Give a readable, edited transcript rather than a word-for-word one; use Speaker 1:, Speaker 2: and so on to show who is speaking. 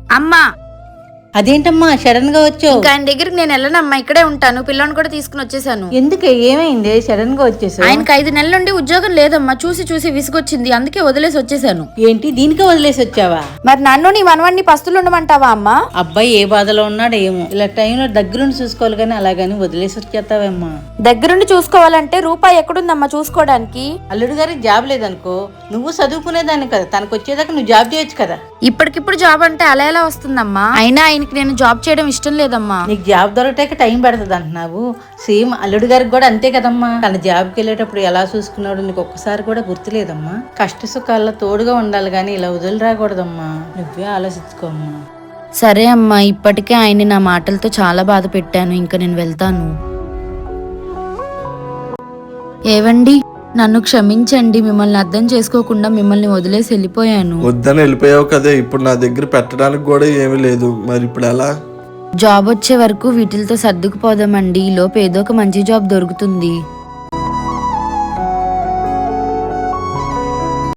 Speaker 1: అమ్మా
Speaker 2: అదేంటమ్మా సడన్ గా వచ్చావు?
Speaker 1: ఇంకా ఆయన దగ్గరికి నేను వెళ్ళనమ్మా, ఇక్కడే ఉంటాను. పిల్లని కూడా తీసుకుని వచ్చేసాను.
Speaker 2: ఎందుకే, ఏమైంది సడన్ గా వచ్చేసావు?
Speaker 1: ఆయనకి 5 నెలల నుండి ఉద్యోగం లేదమ్మా, చూసి చూసి విసుగొచ్చింది, అందుకే వదిలేసి వచ్చేసాను.
Speaker 2: ఏంటి దీనికే వదిలేసి వచ్చావా?
Speaker 1: మరి నన్ను నీ మనవన్ని పస్తులు ఉండమంటావా అమ్మా?
Speaker 2: అబ్బాయి ఏ బాధలో ఉన్నాడు ఏమో, ఇలా టైంలో దగ్గరుండి చూసుకోవాలి కానీ అలాగని వదిలేసి వచ్చేస్తావేమ్మా?
Speaker 1: దగ్గరుండి చూసుకోవాలంటే రూపాయి ఎక్కడుందమ్మా చూసుకోవడానికి?
Speaker 2: అల్లుడు గారికి జాబ్ లేదనుకో, నువ్వు చదువుకునేదాన్ని కదా, తనకు వచ్చేదాకా నువ్వు జాబ్ చేయొచ్చు కదా.
Speaker 1: ఇప్పటికిప్పుడు జాబ్ అంటే అలా ఎలా వస్తుందమ్మా? అయినా ఆయనకి నేను జాబ్ చేయడం ఇష్టం లేదమ్మా.
Speaker 2: నీకు జాబ్ దొరకటాక టైం పడుతుంది అంటున్నావు, సేమ్ అల్లుడు గారికి కూడా అంతే కదమ్మా. తన జాబ్కి వెళ్ళేటప్పుడు ఎలా చూసుకున్నాడు నీకు ఒక్కసారి కూడా గుర్తులేదమ్మా. కష్ట సుఖాల్లో తోడుగా ఉండాలి కానీ ఇలా వదిలి రాకూడదమ్మా, నువ్వే ఆలోచించుకోమ్మా.
Speaker 1: సరే అమ్మా, ఇప్పటికే ఆయన్ని నా మాటలతో చాలా బాధ పెట్టాను, ఇంకా నేను వెళ్తాను. ఏవండి, నన్ను క్షమించండి, మిమ్మల్ని అర్థం చేసుకోకుండా మిమ్మల్ని వదిలేసి వెళ్ళిపోయాను.
Speaker 3: వద్దని వెళ్ళిపోయావు కదే, ఇప్పుడు నా దగ్గర పెట్టడానికి కూడా ఏమీ లేదు, మరి ఇప్పుడు ఎలా?
Speaker 1: జాబ్ వచ్చే వరకు వీటితో సర్దుకుపోదామండి, ఈలోపు ఏదో ఒక మంచి జాబ్ దొరుకుతుంది.